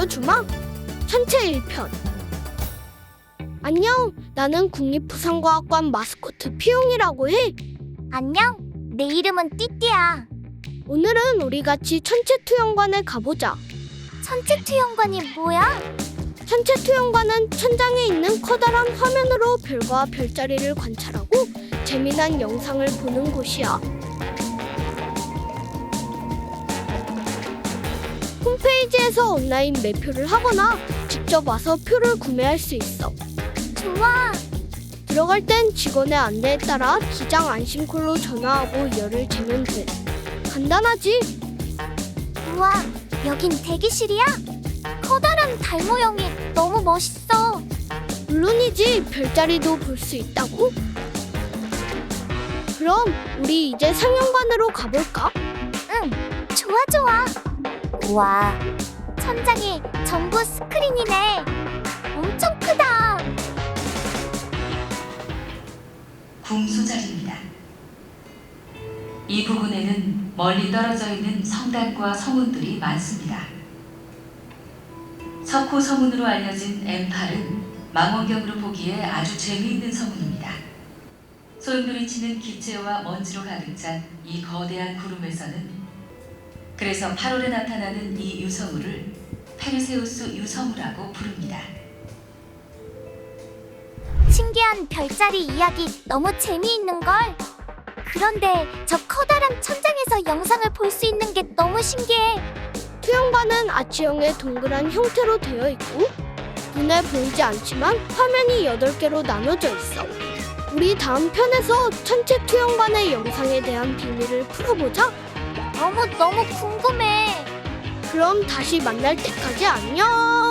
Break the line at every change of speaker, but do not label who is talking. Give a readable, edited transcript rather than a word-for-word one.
보여주마. 천체 1편. 안녕, 나는 국립부산과학관 마스코트 피용이라고 해.
안녕, 내 이름은 띠띠야.
오늘은 우리 같이 천체투영관에 가보자.
천체투영관이 뭐야?
천체투영관은 천장에 있는 커다란 화면으로 별과 별자리를 관찰하고 재미난 영상을 보는 곳이야. 홈페이지에서 온라인 매표를 하거나 직접 와서 표를 구매할 수 있어.
좋아.
들어갈 땐 직원의 안내에 따라 기장 안심콜로 전화하고 열을 재면 돼. 간단하지?
우와, 여긴 대기실이야? 커다란 달 모형이 너무 멋있어.
물론이지, 별자리도 볼 수 있다고? 그럼 우리 이제 상영관으로 가볼까?
응, 좋아. 우와, 천장이 전부 스크린이네. 엄청 크다.
궁수자리입니다. 이 부근에는 멀리 떨어져 있는 성당과 서문들이 많습니다. 석호 서문으로 알려진 M8은 망원경으로 보기에 아주 재미있는 서문입니다. 소용돌이 치는 기체와 먼지로 가득 찬 이 거대한 구름에서는 그래서 8월에 나타나는 이 유성우를 페르세우스 유성우라고 부릅니다.
신기한 별자리 이야기 너무 재미있는걸. 그런데 저 커다란 천장에서 영상을 볼 수 있는 게 너무 신기해.
투영관은 아치형의 동그란 형태로 되어 있고 눈에 보이지 않지만 화면이 8개로 나눠져 있어. 우리 다음 편에서 천체투영관의 영상에 대한 비밀을 풀어보자.
너무 궁금해.
그럼 다시 만날 때까지 안녕!